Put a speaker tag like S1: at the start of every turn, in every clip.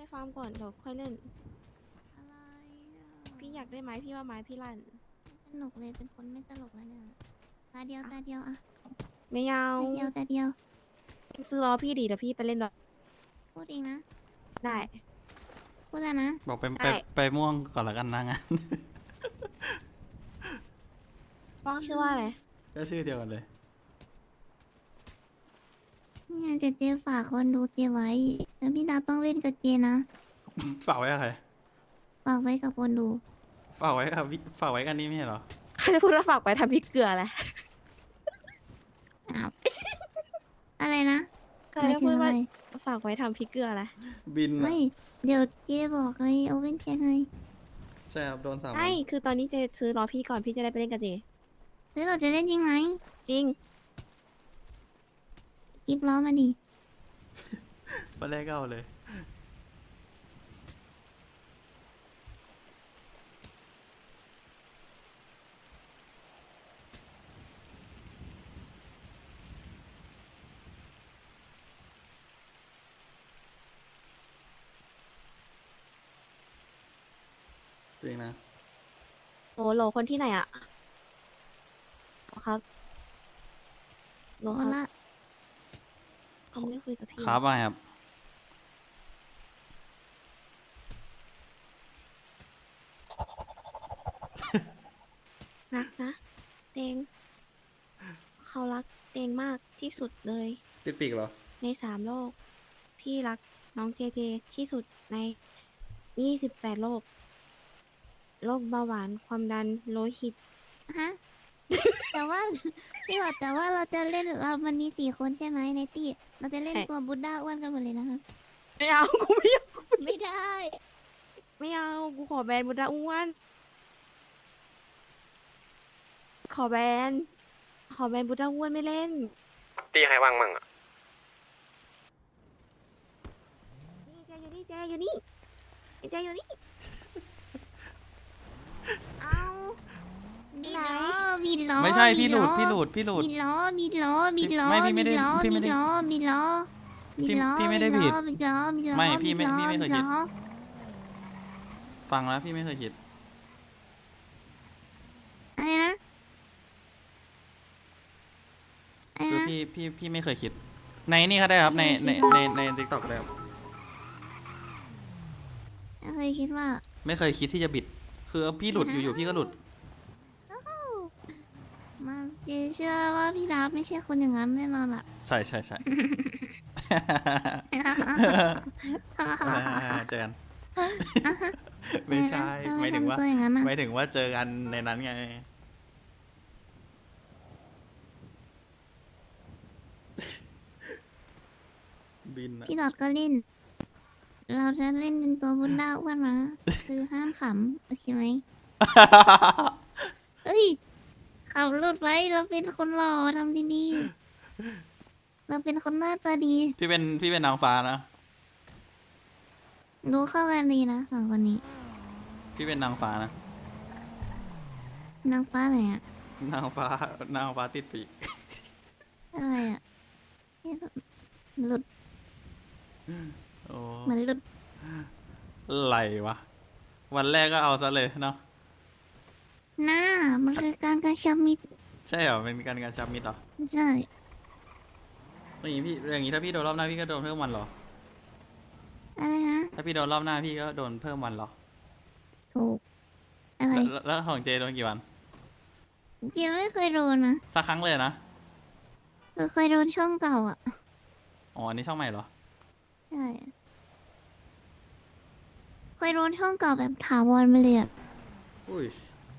S1: ฟาร์มก่อนเดี๋ยวค่อยเล่น
S2: อะไรอ่ะ
S1: พี่อยากได้ไม้พี่ว่าไม้พี่ลั่น
S2: ไม่สนุกเลยเป็นคนไม่ตลกแล้วเนี่ยตาเดียวตาเดียวอะ
S1: ไม่เอา
S2: ตาเดียวตาเดียว
S1: ซื้อล้อพี่ดีเดี๋ยวพี่ไปเล่นด้วย
S2: พูดเองนะ
S1: ได้
S2: พูดแล้วนะ
S3: บอกไป
S1: ได้
S3: ไปม่วงก่อนละกันนะงั้น
S1: ป้องชื่อว่าอะไร
S3: ก็ชื่อเดียวกันเลย
S2: เนี่ยเดี๋ยวเจฝากคนดูเจไว้แล้วพี่ดาวต้องเล่นกับเจนะ
S3: ฝากไว้กับใคร
S2: ฝากไว้กับคนดู
S3: ฝากไว้กับฝากไว้กันนี่ไม่ใช่เหรอ
S1: เขาจะพูดว่าฝากไปทำพริกเกลือแหละ
S2: อ้าว อะไรนะ
S1: เขา
S2: หมาย
S1: จะ
S2: ถึ
S1: พู
S2: ง
S1: ด
S2: อะไร
S1: ว่าฝากไว้ทำพริกเกลือแหละ
S3: บินอะ
S2: ไม่ เดี๋ยวเจบอกเลยโอเว่นแชทเลย
S3: ใช่ครับโดน3 วัน
S1: ใช่คือตอนนี้เจซื้อล้อพี่ก่อนพี่จะได้ไปเล่นกับเจ
S2: แล้วเราจะเล่นจริงไหม
S1: จริง
S2: กิบล้อมาดิ
S3: วันแรกก็เอาเลย จริงนะ
S1: โอ้โหลคนที่ไหนอะโหลครับโหล
S2: โอ
S1: ครับ
S2: ละ
S1: เขาไม่คุยกับพี่
S3: ครับไปครับ
S1: รักนะเตงเขารักเตงมากที่สุดเลย
S3: ติดปีกเหรอ
S1: ใน3 โลก พี่รักน้องเจเจที่สุดใน28 โลก โรคเบาหวานความดันโลหิต
S2: ฮะ แต่ว่าพี่บอกแต่ว่าเราจะเล่นมันมี4 คนใช่ไหมในตี้เราจะเล่น
S1: ใช่
S2: ตัวบุดด้าอ้วนกันหมดเลยนะคะ
S1: ไม่เอา กูไม่เอา
S2: ไม่ได้
S1: ไม่เอา กูขอแบนบุดาอ้วน ขอแบนบุดาอ้วนไม่เล่น
S4: ตีใครว่างมั่งอ่ะ
S1: นี่เจอยู่นี่เจอยู่นี่เอา
S2: มี
S1: ไหน
S2: ล้อมีล้อ
S3: ไม่ใช่พี่หลุด
S2: ล้อ
S3: พี่หลุดพี่หลุด
S2: มีล้อมีล้อมีล้อ
S3: ไม่พี่ไม่ได้
S2: ล้อ
S3: พี่ไม่ได้
S2: ล้อมีล้อมีล้อ
S3: พี่ไม่ได้
S2: ล้อ
S3: ผิด
S2: มีล้อมีล้อ
S3: ไม่พี่ไม่
S2: ล้อ
S3: พี่ไม่เคยผิด
S2: ล้อ
S3: ฟังแล้วพี่ไม่เคยคิด
S2: อะไรนะอะไร
S3: คือ
S2: นะ
S3: พี่ไม่เคยคิด ในนี่ก็ได้ครับในทิกตอกได้ครับ
S2: เคยคิดว่า
S3: ไม่เคยคิดที่จะบิด คือพี่หลุดอยู่ๆพี่ก็หลุด
S2: มาเจเชื่อว่าพี่ดาบไม่ใช่คนอย่างนั้นแน่นอนล่ะ
S3: ใช่ใช่ใช่ เจอกัน ไม่ใช่
S2: ทำ
S3: หมายถึงว่า
S2: ทำตัวอย่างนั้นนะ
S3: หมายถึงว่าเจอกันในนั้นไง บินอะ
S2: พี่ดอดก็เล่น เราจะเล่นเป็นตัวบุญดาอ้วนนะคือห้ามขำโอเคไหมเอ้ยขำหลุดไว้เราเป็นคนหล่อทำดีๆเราเป็นคนหน้าตาดี
S3: พี่เป็นนางฟ้านะ
S2: ดูเข้ากันดีนะสองคนนี้
S3: พี่เป็นนางฟ้านะ
S2: นางฟ้าไหนอะ
S3: นางฟ้าติดปีก
S2: อะไรอะเนี่ยหลุด
S3: โอ้
S2: เหมือนหลุด
S3: ไหลวะ วันแรกก็เอาซะเลยเนาะ
S2: หน้ามันคือการกระชับมิตร
S3: ใช่เหรอ เป็นการชับมิตรเหรอ
S2: ใช่
S3: อย่างนี้ถ้าพี่โดนรอบหน้าพี่ก็โดนเพิ่มวันเหรอ
S2: อะไรนะ
S3: ถ้าพี่โดนรอบหน้าพี่ก็โดนเพิ่มวันเหรอ
S2: ถูกอะไร
S3: แล้วของเจโดนกี่วัน
S2: เดี๋ยวไม่เคยโดนนะ
S3: สักครั้งเลยนะ
S2: คือเคยโดนช่องเก่าอ่ะ
S3: อ๋อ อันนี้ช่องใหม่เหรอ
S2: ใช่ เคยโดนช่องเก่าแบบถาวรมาเลยอ่ะ
S3: อุ้ย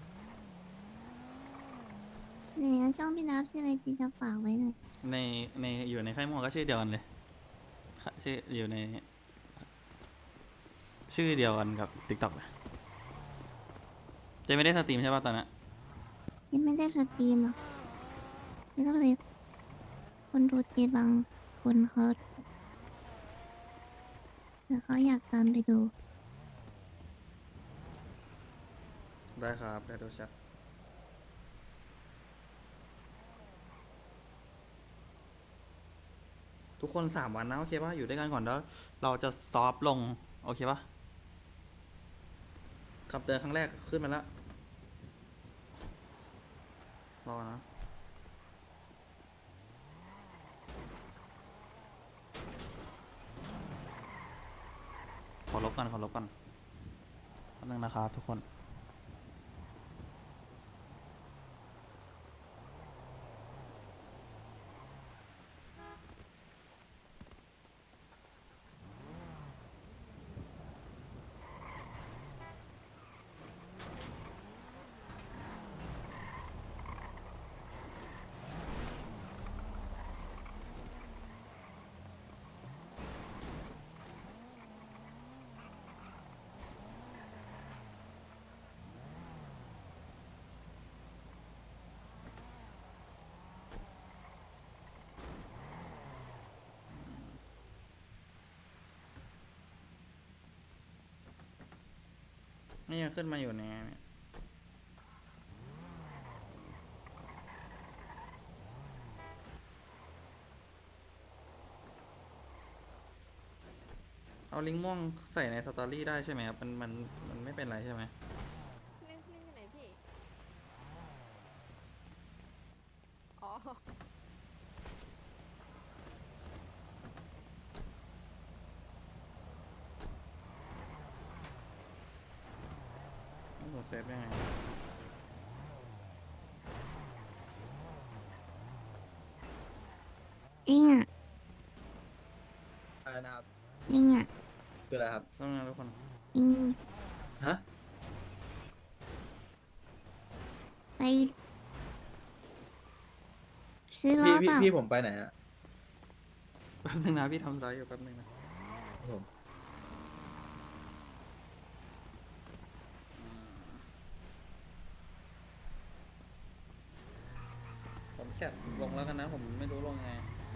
S2: เนี่ยช่องพี่นับชื่ออะไรจีจะฝากไว้หน่อย
S3: ในอยู่ในค่ายมวยก็ชื่อเดียวกันเลยค่ะชื่ออยู่ใน ชื่อเดียวกันกับ TikTok เลยเจไม่ได้สตรีมใช่ป่ะตอนนั้น
S2: ยังไม่ได้สตรีมหรอกแล้วก็เลยคนดูเจบางคนเขาแล้วเขาอยากตามไปดู
S3: ได้ครับได้ดูแชททุกคน3 วันนะโอเคป่ะอยู่ด้วยกันก่อนแล้วเราจะซอฟต์ลงโอเคปะขับเดินครั้งแรกขึ้นมาแล้วรอนะขอลบกันแป๊บนึงนะครับทุกคน นี่ยังขึ้นมาอยู่เนี่ยเอาลิงก์ม่วงใส่ในสตอรี่ได้ใช่ไหมครับมันไม่เป็นไรใช่ไหม
S5: เล่นที่ไหนพี่ อ๋อ
S3: ต้องกดเซฟยังไง
S2: เองอ่ะ
S6: อะไรนะครับ
S2: เองอ่ะ
S6: คืออะไรครับ
S3: ต้องงานทุกคน
S2: เอง
S6: ฮะ
S2: ไปซื้อล้อ
S6: พี่
S2: เปล่า
S6: พี่ผมไปไหนอะ
S3: แป๊บนึงนะพี่ทำไรอยู่แป๊บนึงนะ
S6: ผม
S3: ผมแคปลงแล้วกันนะผมไม่รู้ลงไง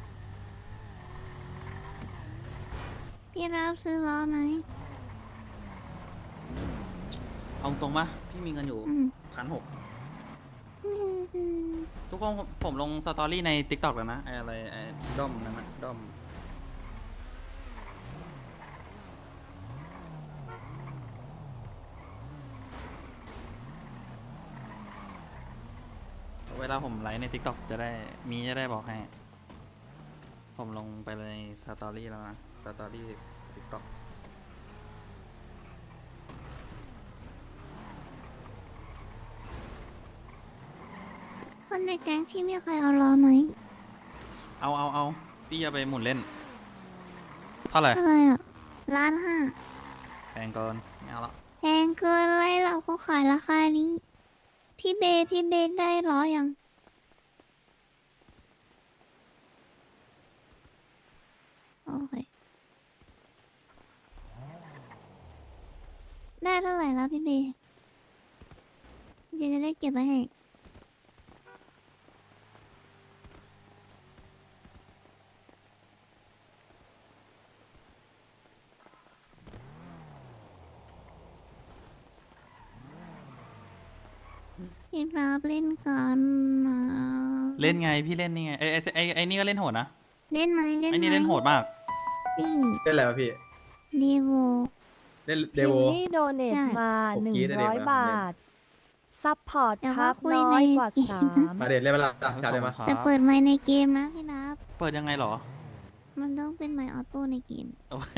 S2: พี่รับซื้อล้อไหม
S3: เอาตรงปะพี่มีเงินอยู่
S2: อืม
S3: 1,600ทุกคนผมลงสตอรี่ใน TikTok แล้วนะไอ้อะไรไอ้ด้อมนั่นนะด้อมเวลาผมไลฟ์ใน TikTok จะได้บอกให้ ผมลงไปในสตอรี่แล้วนะสตอรี่ TikTok
S2: คนในแก๊งพี่มีใครเอาล้อไหม
S3: เอาพี่จะไปหมุนเล่น เท่าไหร่
S2: อะไรอ่ะ1,500,000
S3: แพงเกินไม่เอาละ
S2: แพงเกินอะไรเราเขาขายราคานี้ พี่เบได้ล้อยัง โอเค ได้เท่าไหร่แล้วพี่เบจะได้เก็บไว้ให้ พี่รับเล่นกันนะ
S3: เล่นไงพี่เล่นนี่ไงไอ้นี่ก็เล่นโหดนะ
S2: เล่นไหมเล่นไหม
S3: ไอ้นี่เล่นโหดมาก
S2: นี่
S6: เล่นอะไรวะพี่
S2: ดีโว
S6: เล่นเด
S5: คิม
S6: โว
S5: มี่โดเนท
S2: ใช่
S5: มา
S6: ผมกรี๊ดเลย
S5: 100 บาท ซัพพอร์ต
S2: เดี๋ยว
S5: ครับ
S2: ว่าคุย
S5: น้อย
S2: ใน
S5: กว่า
S2: เกม
S5: 3
S6: มาเด็ดเล่นเวลาจับได้ไหม
S3: ครับ
S2: แต่เปิดไมค์ในเกมนะพี่นับ
S3: เปิดยังไงเหรอ
S2: มันต้องเป็นไมค์ออโต้ในเกม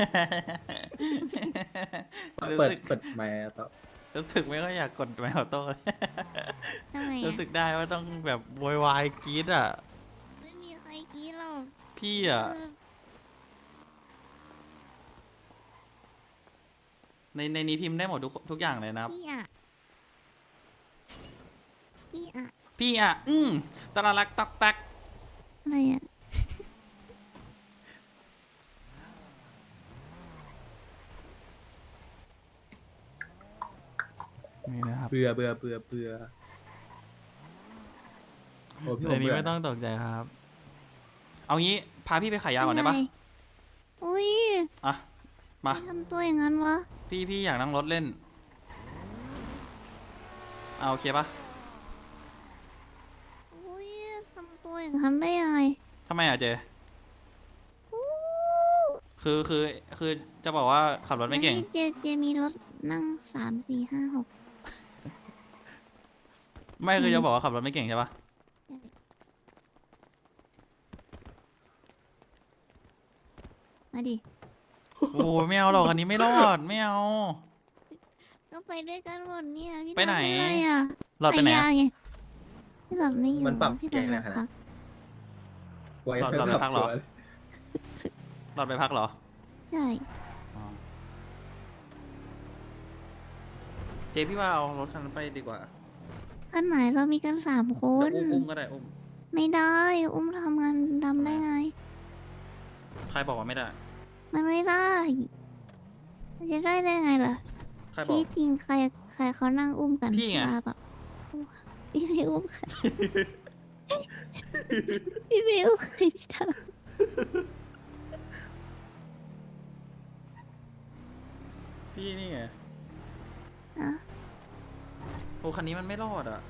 S6: เปิดไมค์ต่อ
S3: รู้สึกไม่ค่อยอยากกดไมค์ออโต้เลย
S2: ทำไม
S3: รู้
S2: อ่ะ
S3: สึกได้ว่าต้องแบบโวยวายกรี๊ดอ่ะ
S2: ไม่มีใครกรี้หรอก
S3: พี่อ่ะ
S2: เออ
S3: ในนี้พิมพ์ได้หมดทุกอย่างเลยนะครับ
S2: พี่อ่ะ พี่อ่ะ
S3: พี่อ่ะ ตะละลักตักตัก
S2: อะไรอ่ะ
S3: นี่นะครับ
S6: เบื่อโอ้พี่ผ
S3: ใน
S6: ม
S3: นี้
S6: เบื่อ
S3: ไม่ต้องตกใจครับ เอางี้พาพี่ไปขายยาก่อนได้ปะ
S2: เป็นรอุ้ย
S3: อ่ะ มา
S2: ไม่ทำตัวอย่างนั้นวะ
S3: พี่อยากนั่งรถเล่น เอาโอเคปะ
S2: อุ้ยทำตัวอย่างนั้นได้ยังไง
S3: ทำไมอ่ะเจ
S2: อู้
S3: คือจะบอกว่าขับรถไม่เก่ง
S2: เจมีรถนั่ง3 4 5 6
S3: ไม่คือจะบอกว่าขับรถไม่เก่งใช่ปะ
S2: มาดิ
S3: โอ้ไม่เอาหรอกคันนี้ไม่รอดไม่เอา
S2: ก็ไปด้วยกันหมดเนี่ยพี่
S3: ไปไหน
S2: ดำอะไรอ่ะ
S3: รอดไปไหน
S2: ยา
S3: อะ
S2: ไงพี่หลับไม่อยู่
S6: มันปรับ
S2: พี่
S6: เก่ง
S2: ห
S6: เล
S2: ลั
S6: ย
S2: บ
S6: ขนาด
S2: พัก
S6: ไว้
S3: เราไปพักเหรอ
S6: สวน
S3: รอดไปพักเหรอ
S2: ใช่
S3: อ๋อเจพี่ว่าเอารถคันนั้นไปดีกว่า
S2: อันไหนเรามีกัน3 ค
S3: เดี๋ย
S2: น
S3: วอุ้มก็ได้อุ้ม
S2: ไม่ได้อุ้มทำงานดำได้ไง
S3: ใครบอกว่าไม่ได้
S2: มันไม่ได้มันจะได้ไงล่ะ
S3: ใครบอก
S2: ที่จริงใครเขานั่งอุ้มกัน
S3: พี่ไง
S2: ลาแบบพี่ไม่อุ้มใคร พี่ไม่อุ้มใครพี่ท
S3: พี่นี่ไง
S2: ำนะ
S3: โอ้คันนี้มันไม่รอดอ่ะ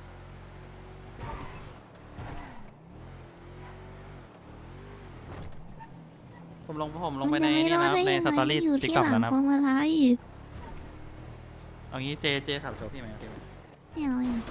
S3: ผมลงไปใน
S2: มั
S3: นี่
S2: จะไม่รอด
S3: นะ
S2: ได้
S3: ใน
S2: ยัง
S3: ส
S2: ไง
S3: ตอรี่
S2: อยู่
S3: ติ๊ก
S2: ที่
S3: ต็อก
S2: หลั
S3: แล้ว
S2: ง
S3: นะ
S2: พวงมาลัย
S3: เอางี้เจขับโชว์พี่ไหมพี่ไหม
S2: ไม่เอาอย่าง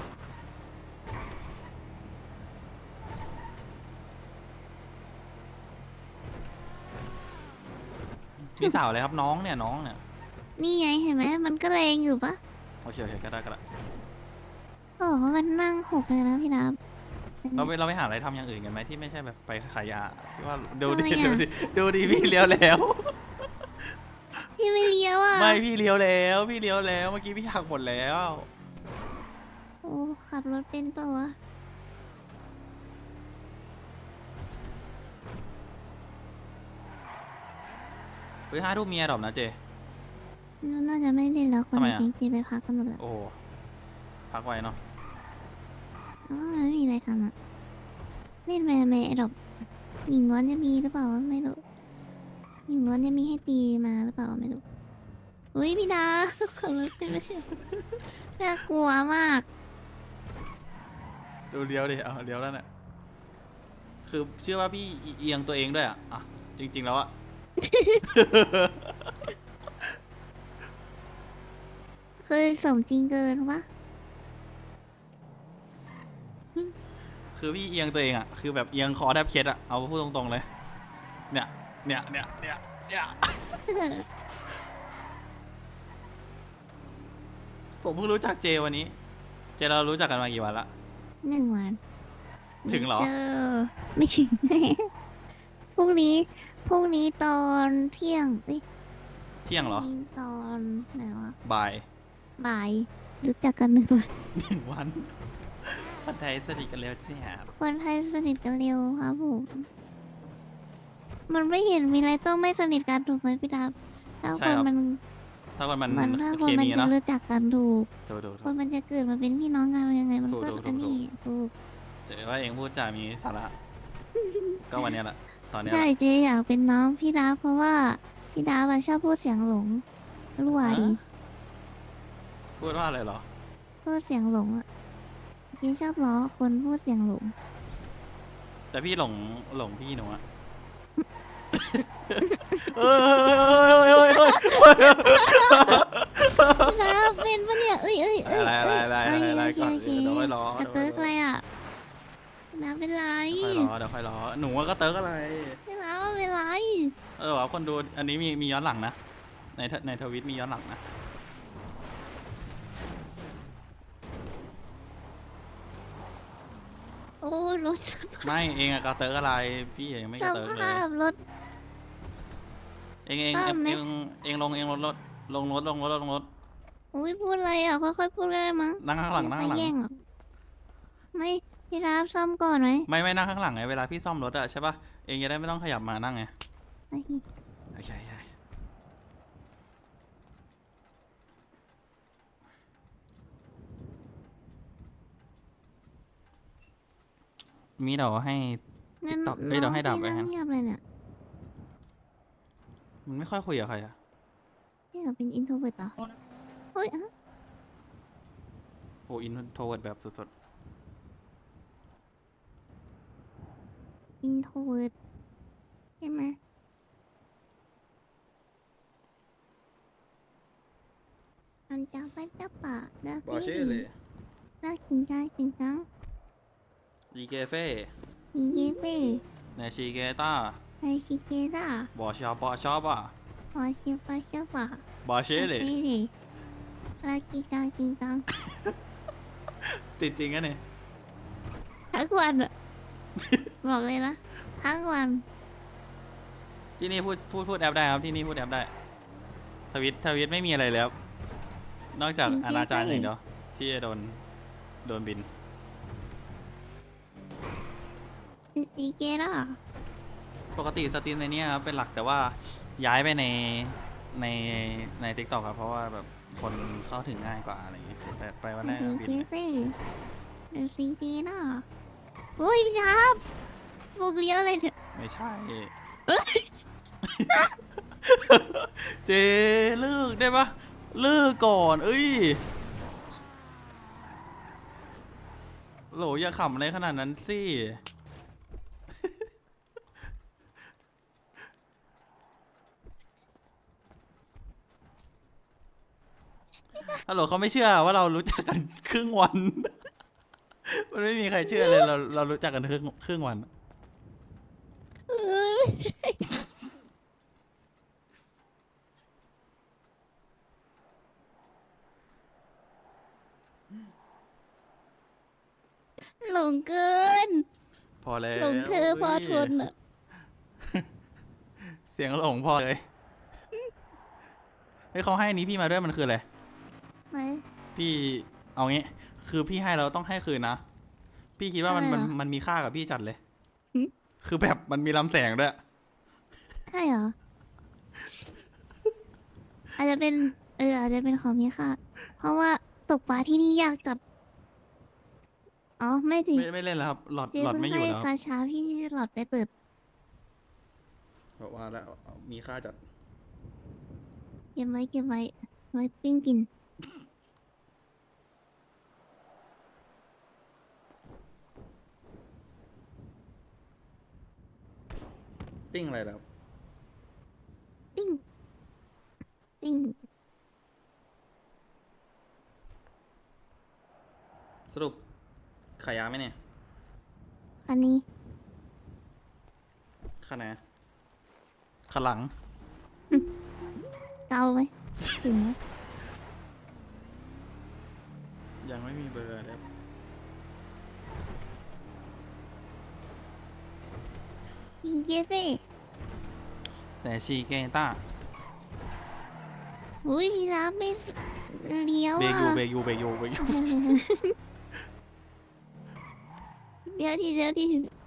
S3: พี่สาวเลยครับน้องเนี่ยน้องเนี่ย
S2: นี่ไงเห็นไหมมันก็แรงอยู่ปะ
S3: โอเคก็ได้
S2: โอ้โหมันนั่ง6เลยนะพี่น้ำ
S3: เราไปหาอะไรทำอย่างอื่นกันไหมที่ไม่ใช่แบบไปขายยาพี่ว่าดูดิ
S2: ทำไมอะ
S3: ดูดิพี่เลี้ยวแล้ว
S2: พี่ไม่เลี้ยวอ่ะ
S3: ไม่พี่เลี้ยวแล้วเมื่อกี้พี่หักหมดแล้ว
S2: โอ้ขับรถเป็นเปล่าวะ
S3: เฮ้ย5 ทุ่มมีแอร์ดรอปนะเจ
S2: น่าจะไม่เล่นแล้วคน
S3: ทำไม
S2: ใน
S3: อะ
S2: แก๊งจีไปพักกันหมดแล้ว
S3: โอ้พักไว้เนาะ
S2: อ๋อไม่มีอะไรทำอ่ะเล่นไปทำไมไอ้ดอกหญิงล้วนจะมีหรือเปล่าไม่รู้หญิงล้วนจะมีให้ตีมาหรือเปล่าไม่รู้อุ้ยพี่ดา ขับรถเป็นไม่ใช่น่ากลัวมาก
S3: ดูเลี้ยวดิเอาเลี้ยวแล้วเนี่ยคือเชื่อว่าพี่เอียงตัวเองด้วยอ่ะจริง ๆแล้วอะ
S2: เคยสมจริงเกินปะ
S3: คือพี่เอียงตัวเองอ่ะคือแบบเอียงคอแทบเคล็ดอ่ะเอาพูดตรงๆเลยเนี่ยผมเพิ่งรู้จักเจวันนี้ เจเรารู้จักกันมากี่วันละ
S2: 1 วัน
S3: ถึงเหรอ
S2: ไม่จไม่ถึง พรุ่งนี้ตอนเที่ยงเอ้ย
S3: เที่ยงเหรอ
S2: พรุ่งนี้ตอนไหนวะ
S3: บ่าย
S2: บ่ายรู้จักกัน1 วัน
S3: 1 วันคนไทยสนิทกันแล้วใช่ไหม
S2: คนไทยสนิทกันเร็วครับผมมันไม่เห็นมีอะไรต้องไม่สนิทกันถูกไหมพี่ดาบถ้าคนมัน
S3: ถ้าคนมัน
S2: ถ้า
S3: เค
S2: คนมัน
S3: มี
S2: จะ
S3: เนาะ
S2: รู้จักกันถูก
S3: ถูก
S2: คนมันจะเกิดมาเป็นพี่น้องกันยังไงมันก็
S3: ถูก
S2: อันนี้ถูก
S3: เจว่าเองพูดจามีสาระ ก็วันเนี้ยแหละตอนเนี้ยแห
S2: ใช่
S3: ละ
S2: เจ๊อยากเป็นน้องพี่ดาบเพราะว่าพี่ดาบอะชอบพูดเสียงหลงรั่วดิ
S3: พูดว่าอะไรเหรอ
S2: พูดเสียงหลงอะเจ๊ชอบล้อคนพูดเสียงหลง
S3: แต่พี่หลงพี่หนูอะ
S2: พี่ดาบเป็นปะเนี่ยเอ้ย
S3: อะไรก่อน
S2: โอเค
S3: เดี๋ยวค่อยรอก
S2: ระเติกอะไรอะพี่ดาบเป็นไร
S3: เดี๋ยวค่อยรอหนูว่าก็เติร์กอะไร
S2: พี่ดาบเป็นไร
S3: ว่าคนดูอันนี้มีย้อนหลังนะในทวิตมีย้อนหลังนะ
S2: โอ้รถ
S3: ไม่เองอะก็เติร์กอะไรพี่เองไม่
S2: ส
S3: ก็เติร์กเลย
S2: ภาพรถ
S3: เอง
S2: ภาพไหม
S3: ลงรถ
S2: อุ้ยพูดอะไรอ่ะค่อยๆพูดก็ได้มั้ง
S3: นั่งข้างหลัง
S2: ไม่แย่งหรอกไม่พี่รับซ่อมก่อนไหม
S3: ไม่นั่งข้างหลังไงเวลาพี่ซ่อมรถอะใช่ปะเองจะได้ไม่ต้องขยับมานั่งไง
S2: ไอ้
S3: ใช่มีเดี๋ยวให้
S2: งั้น
S3: TikTok เอ้ยเดี๋ยวให้ดับไว้
S2: น้อง
S3: ฮะ
S2: พี่นั่งเงียบเลยเนี่ย
S3: มันไม่ค่อยคุยกับใครอะ
S2: พี่อยากเป็นอินโทรเวิร์ตเหรอเฮ้ยอะ
S3: โอ้อินโทรเวิร์ดแบบสุด
S2: อินโทรเวิร์ตใช่ไหมมันจะไปจะปะเด้อบ
S3: อเช่เลย
S2: น่ากินจังกินจัง
S3: อีเกเฟ่
S2: อีเยเป้
S3: เนชิเกต้า
S2: ไอคิเกด้า
S3: บอชอบอชอบอ่ะ
S2: พอชิปะชิปะ
S3: บอเช่เลย
S2: ลากิจังกินจัง
S3: ติดจริงอะเนี่ย
S2: ทั้งวันอะ บอกเลยนะทั้งวัน
S3: ที่นี่พูดแอปได้ครับที่นี่พูดแอปได้ทวิตไม่มีอะไรเลยครับนอกจากอนาจารอย่างเดียวที่จะโดนบิน
S2: อีเกด้า
S3: ปกติสตรีมในเนี้ยครับเป็นหลักแต่ว่าย้ายไปใน TikTok ครับเพราะว่าแบบคนเข้าถึงง่ายกว่าอะไรอย่างเงี้ยแต่ไปวันแรก
S2: อี
S3: ก็บิน
S2: เกเป้อีเกด้าโอ้ยครับบุกเลี้ยวเลยเถอะ
S3: ไม่ใช่ เจเลิกได้ปะเลิกก่อนเอ้ยโหลอย่าขำอะไรขนาดนั้นสิ ฮัลโหลเขาไม่เชื่อว่าเรารู้จักกันครึ่งวัน มันไม่มีใครเชื่อเลยเรารู้จักกันครึ่งวัน
S2: หลงเกิน
S3: พอแล้ว
S2: หลงเธอพอทนอะ
S3: เสียงหลงพอเลยเฮ้ยเขาให้อันนี้พี่มาด้วยมันคืออะไร
S2: ไหน
S3: พี่เอางี้ คือพี่ให้เราต้องให้คืนนะ พี่คิดว่ามัน
S2: อะไร
S3: มัน
S2: เหรอ
S3: มันมีค่ากับพี่จัดเลย
S2: หึ
S3: คือแบบมันมีลำแสงด้วย
S2: ใช่เหรอ อาจจะเป็นอาจจะเป็นของมีค่าเพราะว่าตกปลาที่นี่ยากจัดอ๋อไม่สิ
S3: ไม่เล่นแล้วครับ หลอด
S2: เจ๊
S3: หลอด
S2: เพิ่ง
S3: ไม่อยู่
S2: ให้
S3: แล้ว
S2: กาชาพี่หลอดไปเปิด
S3: บอกว่าแล้วมีค่าจัด
S2: เก็บไว้เก็บไว้ไว้ปิ้งกิน
S3: ปิ้งอะไรแล้ว
S2: ปิ้งปิ้ง
S3: สรุปขายยาไหมเนี่ย
S2: คันนี้
S3: ขนาดขางหลัง
S2: เกาไว้ถึงไหม
S3: ยังไม่มีเบอร์เลย
S2: อีเยเฟ่
S3: แต่ชีเกต้า
S2: อุ้ยมีร้านไม่เลี้ยว
S3: เบ
S2: อ่ะ
S3: ยูเบยูเบยูเบยู
S2: เดี๋ยวดิเดี๋ยวดิ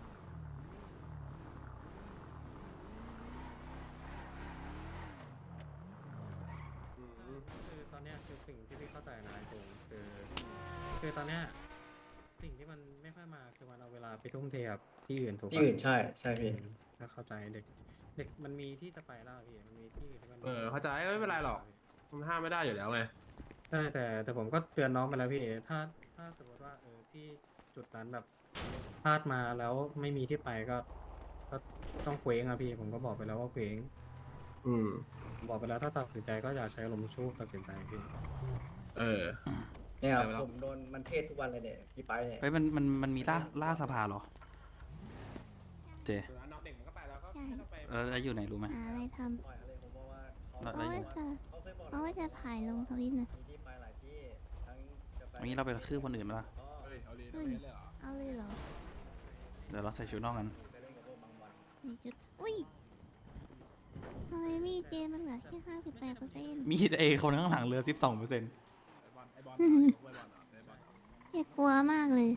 S6: คือตอนเนี้ยคือสิ่งที่พี่เข้าใจนะจงคือตอนเนี้ยสิ่งที่มันไม่ค่อยมาคือมันเอาเวลาไปทุ่มเทกับที่อื่นถูกปะ
S7: ที่อื่นใช่ใช่พี่
S6: ก็เข้าใจเด็กมันมีที่จะไปแล้วพี่มันมีที่อื่นที่มัน
S4: เข้าใจก็ไม่เป็นไรหรอก มันห้ามไม่ได้อยู่แล้วไง
S6: ใช่แต่ผมก็เตือนน้องไปแล้วพี่ถ้าสมมติว่าที่จุดนั้นแบบพลาดมาแล้วไม่มีที่ไปก็ต้องเคว้งอะพี่ผมก็บอกไปแล้วว่าเคว้ง
S4: อืม
S6: บอกไปแล้วถ้าตัดสินใจก็อย่าใช้อารมณ์ชั่วตัดสินใจพี่
S4: เออ
S7: เนี่ย
S4: ไปแล้ว
S7: ผมโดนมันเทศทุกวันเลยเนี่ยพี่ไปเนี่ย
S3: เฮ้ยมันมีล่าสภาเหรอ เจ
S4: น้องเด็กมันก็ไปแล้วก็
S2: ใช่
S4: ต้องไป
S3: แล้วอยู่ไหนรู้ไหม
S2: หาอะไรท
S7: ปล่อยอะไรผมบอกว่าเขา
S3: แล้ว
S2: ำเขาว่าจะ
S7: เขาเคยบอก
S2: เขาว่าจะถ่ายลงทวิตนะ
S7: มีที่ไปหลายที่ทั้งจะไป
S3: วันนี้เราไปกระทืบคนอื่นไหมล่ะ
S7: ก็
S4: เฮ้ยเอาดี
S2: เฮ้ย
S4: เลยเหรอ
S2: เอาเลยเหรอ
S3: เดี๋ยวเราใส่ชุดนอกกัน
S7: ไปเล่นกับพวกบางวัน
S2: ในชุดอุ้ยทำไมมีดเจมันเหลือแค่58%
S3: มีดเอคนข้างหลังเหลือ 12%
S4: ไอบอลไอบอลไอบอลเหรอไอบอลเหรอ
S2: อย่ากลัวมากเลย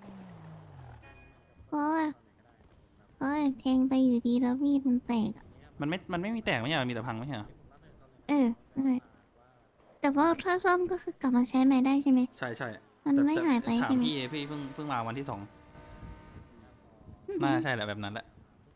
S2: เพราะว่าแทงไปอยู่ดีแล้วมีดมันแตกอะ
S3: มันไม่มีแตกไม่ใช่เหรอมีแต่พังไม่ใช่เหรอ
S2: นั่นแหละแต่ว่าถ้าซ่อมก็คือกลับมาใช้ใหม่ได้ใช่ไหม
S3: ใช่ใช่
S2: มัน
S3: แต่
S2: ไม่หายไป
S3: ถาม
S2: ใช่ไหม
S3: พี่เพิ่งมาวันที่ 2น่าใช่แหละแบบนั้นแหละ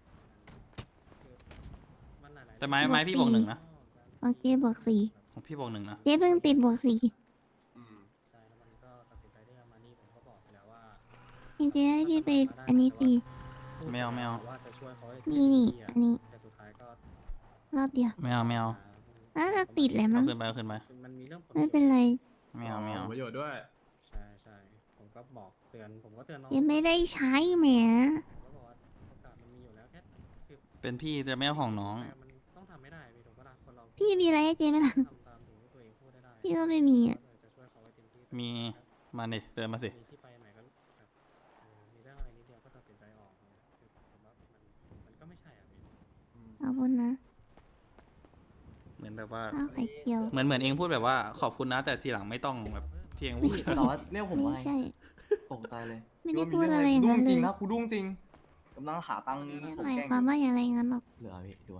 S6: มันหลายๆ
S3: แต่ไม้พี่บวก 1นะ
S2: ของเจบวก4
S3: ของพี่บวก 1นะ
S2: เจเพิ่งติดบวก4
S4: อืม
S6: ใช่แล้วมันก็ตัดสินใจที่จะมานี่ผมก็บอกไปแล้วว่า
S2: จริงๆให้พี่ไปอันนี้ฟรี
S3: ไม่เอา
S6: ว่าจะช่วยเขาให้
S2: นี่
S6: เต็มที่อะ
S2: อันนี้
S6: แต่สุดท้ายก็
S2: รอบเดียว
S3: ไม่เอา
S2: น่าจะติดแหละ
S3: เอา
S2: มั้ง
S3: ขึ้นไป
S6: มันมีเรื่องรื่องผล
S2: ไม่เป็นไร
S3: ไม่เอาไม่เอา
S4: ประโยชน์ด้วย
S6: ใช่ใช่ผมก็บอกเตือนผมก็เตือนน้อง
S2: ยังไม่ได้ใช้แหม
S6: ผมก็บอกว่าโอกาสมันมีอยู่แล้วแค่คือ
S3: เป็นพี่จะไม่เอาของน้อง
S6: มันต้องทำไม่ได้พี่ถูกปะล่ะคนเรา
S2: พี่มีอะไรให้เจไหมล่ะ
S6: ทำตามสิ่งที่ตัวเองพูดได้
S2: พี่ก็ไม่มีอ่ะ
S6: จะช่วยเขาไว้เต็มที่
S3: มีมาดิเดินมาสิ
S6: มีที่ไปไหนก็แบบมีเรื่องอะไรนิดเดียวก็ตัดสินใจออกเนี่ยคือผมว่ามันก็ไม่ใช่อ่ะพี่
S2: ขอบคุณนะ
S3: เหมือนแบบว่า
S2: ข้าวไข่เจียว
S3: เหมือนเองพูดแบบว่าขอบคุณนะแต่ทีหลังไม่ต้องแบบที่เองพูด
S8: ต่อว่าเรียกผม
S2: ไม่
S8: ว่า
S2: ใช่
S8: ตกใจเลย
S2: ไม่ได้พูดอะไรอย่างนั้น
S8: จ
S2: เล
S8: ริ
S2: ย
S8: งนะกูดุ้งจริงกำลังหาตังค์
S2: ไม่
S8: ส่ง
S2: หมาย
S8: แกล้ง
S2: ความว่าอย่างไรงั้นหรอก
S8: เหลือพี่ด้วย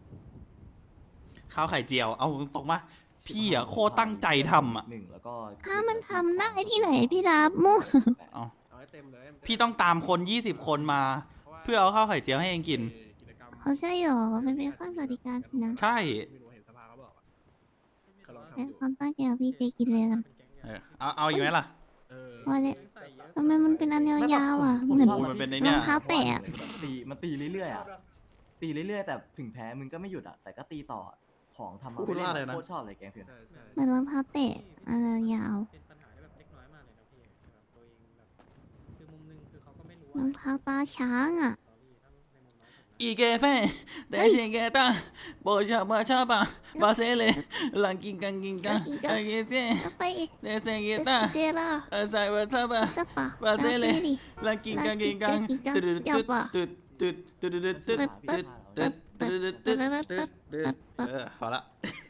S3: ข้าวไข่เจียวเอาตรงมาพี่อ่ะโคตรตั้งใจทำอ่ะ
S8: หนึ่งแล้วก็
S2: ถ้ามันทำได้ที่ไหนพี่รับมั่ว
S3: เอา
S4: เอาให้เต็มเลยมันจะ
S3: พี่ต้องตามคน20 คนมา เพื่อเอาข้าวไข่เจียวให้เองกิน
S4: กิจกรรม
S2: เขาใช่หรอมันเป็นข้อสวัสดิการสินะ
S3: ใช่
S4: ไม่รู้เห็นสภาเขาบอกอะเขาลองทำ
S2: เป็น
S4: ดู
S2: ความตั้งใจของพี่เจกินเลยกัน
S3: เอาอีกไหมล่ะ
S4: เออ
S2: พอเลยทำไมมันเป็นอันยาวๆอ่ะ เหมือน
S3: โอ้ยมันเป็นไอ้เนี่ย
S2: รองเท้าแตะ
S8: ตีมันตีเรื่อยๆอ่ะตีเรื่อยๆแต่ถึงแพ้มึงก็ไม่หยุดอ่ะแต่ก็ตีต่อของทำมา
S3: พูดว่าอะไรนะ
S8: โคตรชอบเลยแกงเพียน
S4: ใช่ใช่
S2: เหมือนรองเท้าแตะอันยาว
S6: เป็นปัญหาที่แบบเล็กน้อยมากเลยนะพี่แบบตัวเองแบบคือมุมหนึงคือเขาก็ไม่รู้
S2: รองเท้าตาช้างอ่ะ
S6: สตอรี่ถ้าในมุมน้องผมนะ
S3: อีเกเฟ่เดชิเกต้าโบชาบาชาบาบาเซเลลังกิงกังกิงกังเอเกเจ
S2: แล้วไป
S3: เดเซเก
S2: เจ
S3: ต้า
S2: เจล่ะ
S3: ไซบาทาบา
S2: สักปะ
S3: บาเซเล
S2: ดิ
S3: ลังกิงกังกิงกังตึ๊ดตึ๊ดตึ๊ดตึ๊ดตึ๊ดตึ๊ดตึ๊ดตึ๊ดตึ๊ดตึ๊ดตึ๊ดตึ๊ดตึ๊ดพอละ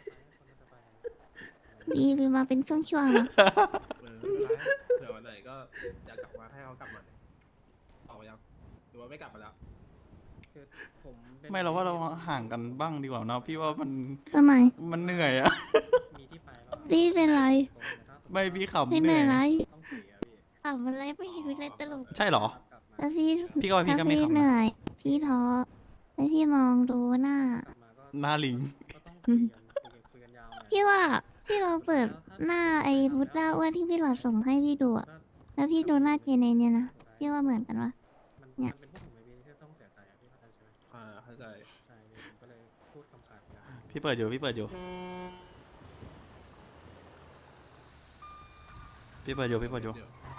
S2: มีมาเป็นช่วงๆเหรอ
S4: เออไม่เป็นไรเผื่อวันไหนก็อยากกลับมาให้เขากลับมาออกมายังหรือว่าไม่กลับมาแล้ว
S6: คือผมป็น
S3: ไม่เราว่าเราห่างกันบ้างดีกว่าเนาะพี่ว่ามัน
S2: ทำไม
S3: มันเหนื่อยอะ
S6: มีที่ไปแล้ว
S2: พี่เป็นไร
S3: ไม่พี่ขำ
S2: ไม่
S3: เห
S2: เหนื่
S3: นื่
S2: อ
S3: อย ย
S2: ไร
S6: ต้องคุยอะพี่
S2: ทำอะไรไม่เห็นมีอะไรตลก
S3: ใช่เหรอ
S6: กลับมา
S2: แล้วพี่
S3: พี่ก็ว่าพี่ก็ไม่
S2: ถ้า
S3: ขำ
S2: เหนื่อย พี่ท้อแล้วพี่มองดูหน้า
S6: กลับมาก็
S3: หน้าลิง
S6: ก็ต้องคุยกันยาวหน่อย
S2: พี่ว่าพี่เราเปิดหน้าไอ้บุตด้าอ้วนที่พี่หลอดส่งให้พี่ดูอะแล้วพี่ดูหน้าเจเนเนี่ยนะพี่ว่าเหมือนกันวะ
S6: มันเป็นพวกผมไอ้พี่ที่ต้องเสียใจอะพี่เข้าใจใช่ไหม
S4: เข้าใจ
S6: ใช่พี่ผมก็เลยพูดคำขาดนะ
S3: พี่เปิดอยู่พี่เปิดอยู่พี่เปิดอยู่พี่เปิดอยู่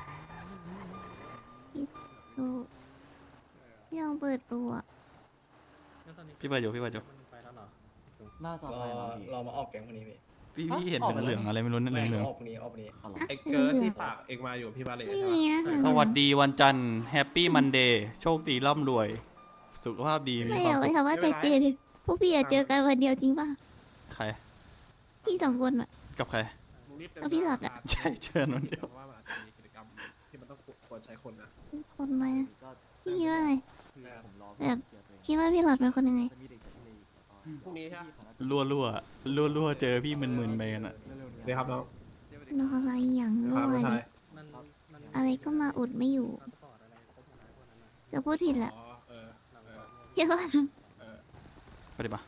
S2: ดูพี่ลองเปิดดูอะ
S6: แล้วตอนนี้
S3: พี่เปิดอยู่พี่เปิดอยู่
S6: มันไปแล้วเหรอ
S8: น่าจะ
S7: ร
S8: ไป
S7: อ
S8: มาพี่
S7: รอมาออกแก๊งวันนี้พี่
S3: พี่เห็นเหลืองๆอะไรไม่รู้นั่น
S7: ไม่
S3: เหลือง
S7: ออกวันนี้ออกวันนี้
S8: เอาเหรอ
S4: ไอ้เกิร์ลที่ฝากเองมาอยู่พี่บาเล
S2: นี่
S4: ใช่ไหม
S2: ไง
S3: ๆสวัสดีวันจันทร์แฮปปี้มันเดย์โชคดีร่ำรวย สุขภาพดีมี
S2: ไม่
S3: ควา
S2: อ
S3: ม
S2: ยากไป
S3: สุข
S2: ถามว่าแต่เจเลยพวกพี่อยากเจอกันวันเดียวจริงป่ะ
S3: ใคร
S2: พี่สองคนอะ
S3: กับใคร
S4: มึงรีบเต็ม
S2: เอาพี่หลอดอะ
S3: ใช่เชิญวันเดียว
S4: เพราะว่ามันอาจจะมีกิจกรรมที่มันต้องควรใช้คนนะ
S2: คนมา
S8: ก็
S2: พี่คิดว่าไง
S8: คือผมรอ
S2: แบบ
S8: เคลียร์ตัวเอง
S2: คิดว่าพี่หลอดเป็นคนยังไง
S8: จะมีเด็กจากทะเลอีกแล้วก็
S4: พรุ่งนี้ใช่ไหม
S3: รั่วเจอพี่มึนๆไปกันอะ
S8: เร็วๆนี้
S4: เดี๋ยวครับน้อง
S2: นอนอะไรอย่าง
S4: ค
S2: ด้
S4: รับ
S2: ว
S4: ผู้
S2: ย
S4: ชาย
S6: มันมัน
S2: อะไรก็มาอุดไม่อยู่
S6: พาสปอร์ตอะไรครบหมดแล้วพวกนั้นนะ
S2: จะพูดผิดแหละ
S4: อ๋อเออ
S6: หลัง
S4: เอ
S6: ส
S4: อ
S6: อบเนี่ย
S2: เชื่อว่า
S4: เออ
S3: ไปดิปะ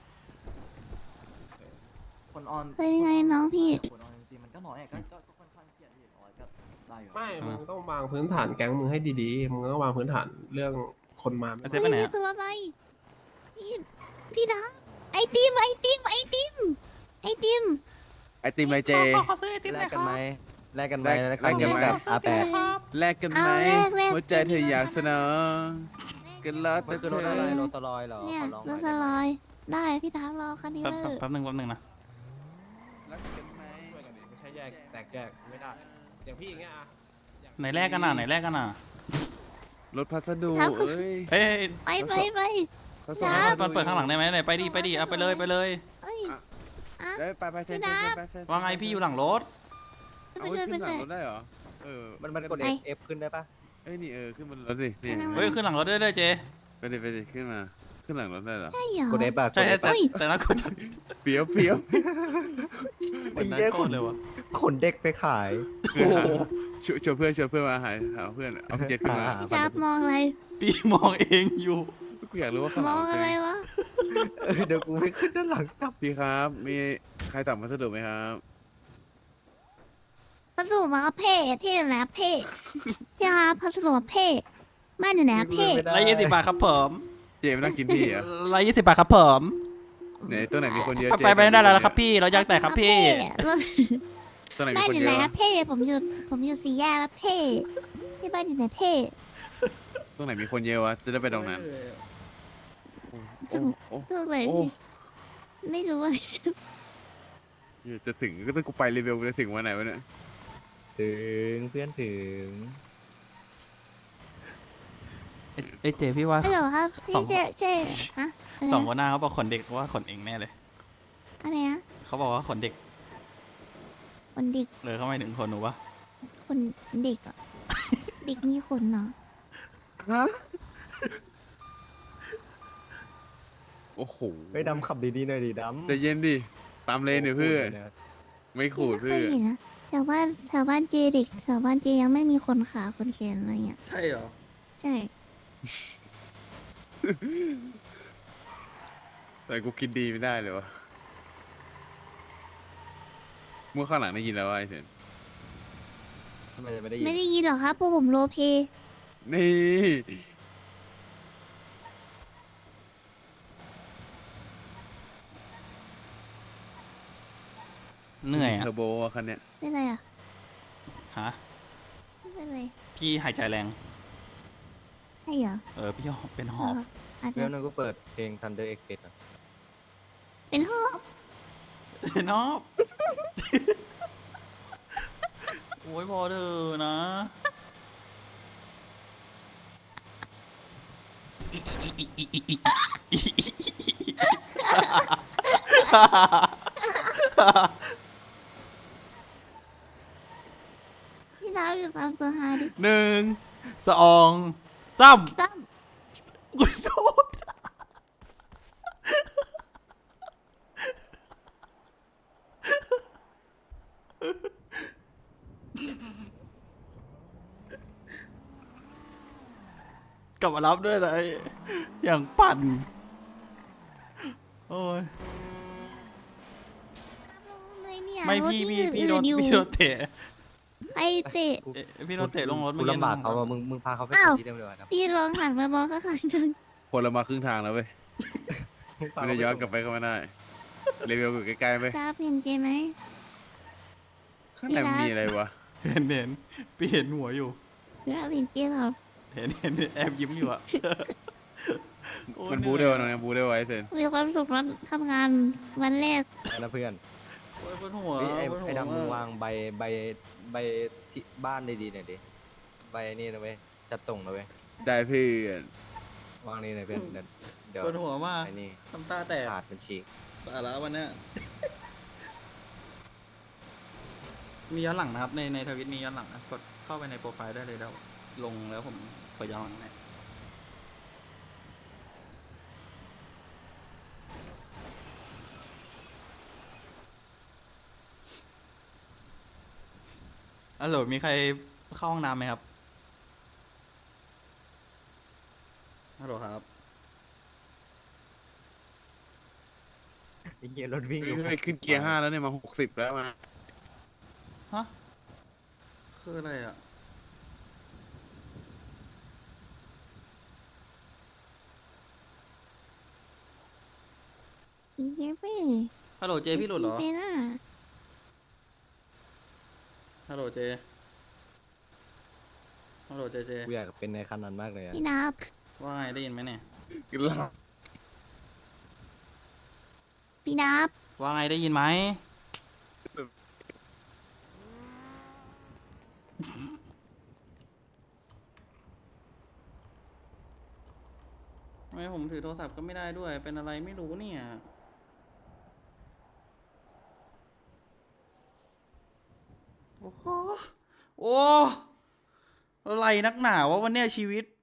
S8: คนออน
S2: เคยยังไงน้องพี่
S8: คนออนจริงๆมันก็น้อยอะก็ค่อนข้างเครียดพี่น้อยก็ได้อยู่
S4: ไม่ มึงต้องวางพื้นฐานแก๊งมึงให้ดีๆ มึงต้องวางพื้นฐานเรื่องคนมา
S3: ไอเซ
S2: เฮ้
S3: ฟ
S2: ย
S3: ไปไหน
S2: นี่
S3: อะ
S2: คืออะไรพี่ดาไอติมไอติมไอติมไอติม
S9: ไอติมไอเจ
S3: ขอซื้อไอติมห
S9: แล
S3: น่อก ยค
S9: กั
S3: รั
S9: น
S3: บ
S9: ไหม
S7: แลกกันไหม
S9: แลกกันไหม
S7: อาแปด
S9: แลกกันไหม
S2: เอาแลก
S9: หัวใจเธออยากเสนอกันแล้วแต่
S7: มันคือ
S9: เธ
S7: รถ
S9: อ
S7: อะไรรถตลอยเหรอ
S2: เนี่ย
S7: ขอลองห
S2: ร
S7: น่อ
S2: ถ
S7: ย
S2: ส
S7: ได้ไหม
S2: ลอยได้พี่ดารอคันนี้
S3: แป๊บ
S2: เลย
S3: แป๊บนึงนะ
S9: แลกกันไหม
S4: ช่วยกันดิไม่ใช่แยกแตกแยกไม่ได้ อย่างพี่อย่างเงี้ยอะ
S3: ไหนแรกกันอ่ะไหนแรกกันอ่ะ
S9: รถพัสดุเอ้ย
S3: เอ้ย
S2: ไป
S9: เขาส่ง
S2: ครับ
S3: มันเปิดข้างหลังได้ไหมไหนไปดิเอาไปเลย
S2: เอ้ยอ่ะ
S9: ได้ไปเซ็น
S2: พี่ดา
S9: ไปเซ็น
S3: ว่าไงพี่อยู่หลังรถ
S9: เอา
S2: ไป
S9: ไว้
S2: เลย
S9: ขึ้นหลังรถได้เหรอเออ
S7: มันกด
S2: ไป
S7: F ขึ้นได้ปะ
S9: เอ้ยนี่ขึ้นบนรถดินี่
S3: เฮ้ยขึ้นหลังรถได้เลยเจ
S9: ไปดิขึ้นมาขึ้นหลังรถได้เหรอ
S2: ใช่เหรอก
S7: ด F อะก
S3: ใช่
S7: ด F
S3: แต่
S7: อะ
S3: แต่น่ากลัวจัง
S9: เปียว
S3: วันนั้นโคตรเลยวะ
S7: ขนเด็กไปขาย
S9: ชวนเพื่อนมาหาเพื่อนเอาเจ็ตขึ้นมา
S7: อ่า
S2: พี่ดามองอะไร
S3: พี่มองเองอยู่
S9: กูอยากรู้ว่าข้างห
S2: ม
S9: ลั
S2: อง
S9: ง
S2: อะไรวะ
S7: เดี๋ยวกูไปขึ้นด้านหลังจับ
S9: พี่ครับ มีใครสั่งพัสดุไหมครับ
S2: พัสดุมาเพ่เท่แล้วเพ่พี่ดาพัสดุมาเพ่บ้านอยู่ไหนอะเพ่
S3: 120 บาทครับผม
S9: เจไม่น่ากินพี่เหรอ
S3: 120 บาทครับผม
S9: ไหนตัวไหนมีคนเยอะเจ
S3: ไปไม่ได้แล้วครับพี่เราอยากแตกครับพี่
S2: รถ
S9: ตรงไหนมี
S2: บ้าน
S9: คน
S2: อยู่
S9: เย
S2: ไหน
S9: อะ
S2: ครั
S9: วะ
S2: บเพ่ผมอยู่สี่แยกแล้วเพ่ที่บ้านอยู่ไหนเพ่
S9: ตรงไหนมีคนเยอะวะจะได้ไปตรงนั้น
S2: จะ
S9: โอ้
S2: ตรงไหน
S9: โอ้
S2: ไม่รู้อะ
S9: จะถึงก็ต้องกูไปรีเวลจะถึงวันไหนวะเนี่ย
S7: ถึงเพื่อนถึง
S3: เอ้ยเจพี่ว่า
S2: ฮัลโหลครับ
S3: สอ
S2: พี่
S3: ง
S2: เจ๊ฮะอะไร
S3: สอง
S2: นะ
S3: คนหน้าเขาบอกขนเด็กว่าขนเองแน่เลย
S2: อะไรนะ
S3: เขาบอกว่าขนเด็ก
S2: คนเด็ก
S3: เลยเขาไม่ถึงขนหนูปะ
S2: คนเด็กอะเด็กมีขนเหรอ
S9: ฮะโอ้โห
S7: ไปดำขับดีๆหน่อยดิดำ
S9: ใจเย็นดิตามเลนเดี๋ยวเพื่อน
S7: โโหนะ
S9: ไม่ขูด
S2: ไม่เค
S9: เพื่
S2: ย
S9: อน
S2: เห็นนะแถวบ้านเจเด็กแถวบ้านเจยังไม่มีคนขาคนแขนอะไรเงี้ย
S3: ใช่เหรอ
S2: ใช่
S9: แต่กูคิดดีไม่ได้เลยวะเมื่อข้างหลังได้ยินแล้ววะไอ้เซน
S7: ทำไมจะไม่ได้ยิน
S2: ไม่ได้ยินหรอครับพวกผมโรลเพลย์
S9: นี่
S3: เหนื่อยอ่ะ
S9: เทอร์โบอะคันเนี้ย
S2: เป็นไรอะ
S3: ฮะ
S2: ไม่เป็นไร
S3: พี่หายใจแรง
S2: ใช่เหรอ
S3: พี่เป็นหอบ
S2: อาจจะ
S7: เพื่อนนึงก็เปิดเพลง Thunder Express อะ
S2: เป็นหอบ
S3: เป็นหอบ โอ้ยพอเถอะนะ
S2: พี่ดาวอยู่ตามตัวฮาดิ
S3: หนึ่งสองสาม
S2: ตั้ม
S3: กูโดนกลับมารับด้วยเลยอย่างปั่น โอ้ย
S2: ไม่เนี่ย
S3: ไม่
S2: รถ
S3: พี่
S2: ที่
S3: พี่
S2: อื่นๆอยู่
S3: พี่โดนเตะ
S2: ใครเตะ
S3: เอ๊ะพี่โดนเตะลงรถ
S7: กู
S3: เมื่อกี้
S7: ลำบากเขา
S3: นะ
S7: ว่ามึงพาเขาไป
S2: อ้าว
S7: ส่งที่เดิมเลยนะ
S2: พี่ลองหันมามองข้างๆหนึ่ง
S9: คนเรามาครึ่งทางแล้วเว้ย
S7: มึงพา
S9: ไม่
S7: เขา
S9: ได้
S7: ไป
S9: ย้อน
S7: ส่ง
S9: กลับไปก็ไม่ได้รีเวลอยู่ใกล้ๆไป
S2: ดาวเห็นเจไหม
S9: ข้างในมันมีอะไรวะ
S3: เห็นพี่เห็นหัวอยู่
S2: ดาวเห็นเจเปล่า
S3: เห็นแอบยิ้มอยู่อะโอ้ย
S9: มันบูได้วะน้องเนี่ยบูได้วะไอ้เซน
S2: มีความสุขแล้วทำงานวันแรก
S7: นะเพื่อน
S3: โอ้ยปวดหัว
S7: เฮ้ย
S3: ปวดหัว
S7: ไอ้ดำมึงวางใบที่บ้านดีๆหน่อยดิใบนี่นะเว้ยจัดส่งนะเว้ย
S9: ได้เพื่อน
S7: วางนี่หน่อยเพื่อนเดี๋ยว
S3: ปวดหัวมาก
S7: ไอ้นี่
S3: น้ำตาแตก
S7: ขาดมันฉีก
S3: สาระวันเนี้ยมีย้อนหลังนะครับในทวิตมีย้อนหลังนะกดเข้าไปในโปรไฟล์ได้เลยแล้วลงแล้วผมเปิดย้อนหลังให้ฮัลโหลมีใครเข้าห้องน้ำไหมครับฮัลโหลครับ
S7: ไอ้เหี้ยรถวิ่งอยู่
S9: เฮ้ยขึ้นเกียร์ 5แล้วเนี่ยมา60แล้วมา
S3: ฮะ คืออะไรอ่ะ
S2: ดีเจเป้
S3: ฮัลโหลเจพี่หลุดเหรอ
S2: เป็นอ่ะ
S3: ฮัลโหลเจ ฮัลโหลเจ
S7: กูอยากเป็นในคันนั้นมากเลยอะ
S2: พี่นับ
S3: ว่าไงได้ยินไหมเนี่ย
S9: กินเหล้า
S2: พี่นับ
S3: ว่าไงได้ยินไหม ทำไมผมถือโทรศัพท์ก็ไม่ได้ด้วย เป็นอะไรไม่รู้เนี่ย โอ้โหโอ้อะไรนักหนาวะวันเนี้ยชีวิต